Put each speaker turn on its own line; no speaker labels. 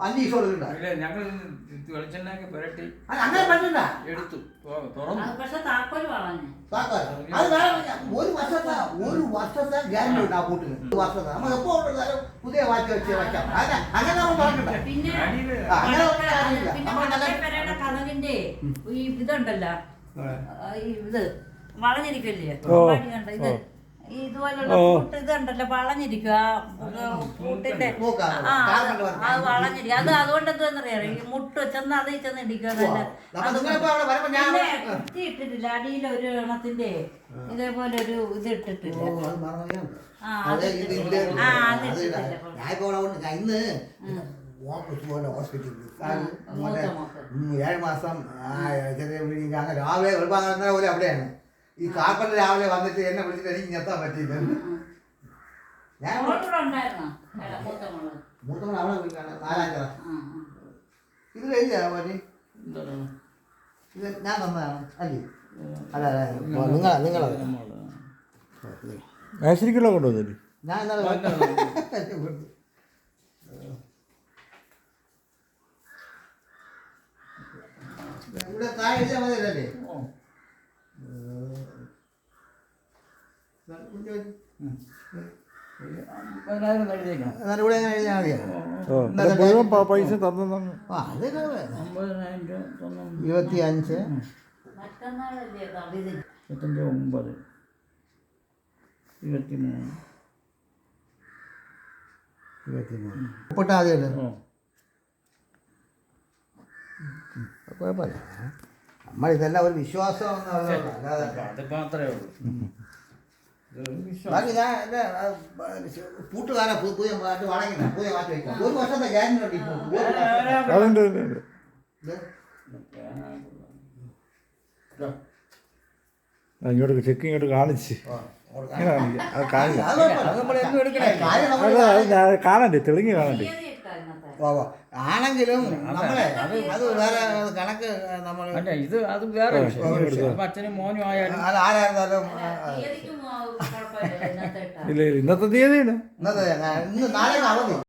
5 ദിവസം കൊടുക്കണ്ട.
ഞങ്ങൾ വെളിച്ചെണ്ണയൊക്കെ പുരട്ടി
അങ്ങനെ പറ്റില്ല.
എടുത്തു തുറന്നു.
പക്ഷെ താക്കോൽ വളഞ്ഞു.
ഒരു വർഷത്തെ ഗ്യാരണ്ടി ഉണ്ട് ആ കൂട്ടിന്. 1 വർഷത്തെ നമ്മൾ എപ്പോ പുതിയ വാച്ച് വെച്ച് വെക്കാം. അങ്ങനെ നമ്മൾ പറഞ്ഞില്ല.
പിന്നെ കഥകിന്റെ ഈ ഇതുണ്ടല്ലോ, ഇത് വളഞ്ഞിരിക്കല്ലേ ഇത് ഇതുപോലുള്ള ഇതുണ്ടല്ലോ വളഞ്ഞിരിക്കുക. കൂട്ടിന്റെ അത് വളഞ്ഞിരിക്കും. അത് അതുകൊണ്ട് എന്താന്നറിയാം, ഈ മുട്ട് ചെന്ന് അതിൽ ചെന്ന് ഇടിക്കുക. കുത്തി ഇട്ടിട്ടില്ല അടിയിൽ ഒരു എണ്ണത്തിന്റെ ഇതേപോലെ ഒരു ഇത് ഇട്ടിട്ടില്ല.
ഹോസ്പിറ്റലിൽ 7 മാസം രാവിലെ പോലെ അവിടെയാണ് ഈ കാപ്പന്റെ രാവിലെ വന്നിട്ട് എന്നെ വിളിച്ചിട്ട് എനിക്ക് ഞെത്താൻ പറ്റിയില്ല. ഞാൻ മൂത്തമ്മ അവളെ വിളിക്കാണ് 4-5 ക്ലാസ്. ഇത് കഴിഞ്ഞാ പറ്റി ഇത് ഞാൻ തന്നതാണ് അല്ലേ? അല്ല നിങ്ങളത്
മേശരിക്കുള്ള കൊണ്ടുവന്നില്ലേ?
ഞാൻ ഇന്നലെ ഇവിടെ താഴെ എഴുതിയാൽ മതിയല്ലേ? ഇവിടെ എങ്ങനെ എഴുതിയാൽ മതിയോ?
മുഴുവൻ പൈസ തന്നു.
25 ഒപ്പിട്ടാ മതിയല്ലോ. കുഴപ്പമില്ല. നമ്മളിതെല്ലാം ഒരു വിശ്വാസം
അത് മാത്രമേ ഉള്ളൂ.
ബാക്കി ഞാൻ എൻ്റെ പൂട്ടുകാരെ പുതിയ മാറ്റി വളങ്ങില്ല, പുതിയ മാറ്റി വയ്ക്കാം. 1 വർഷത്തെ ഗ്യാരണ്ടി ഉണ്ട് ഇപ്പോൾ.
ഇങ്ങോട്ട് ചെക്ക് ഇങ്ങോട്ട് കാണിച്ച് കാണണ്ടേ, തെളിഞ്ഞ് കാണണ്ടേ.
ആണെങ്കിലും നമ്മളെ അത് വേറെ കണക്ക് നമ്മൾ
ഇത് അത് വേറെ അച്ഛനും മോനും ആയാലും
ആരായിരുന്നാലും
ഇല്ല ഇന്നത്തെ തീയതിയാണ്.
ഇന്ന് നാളെ അവധി.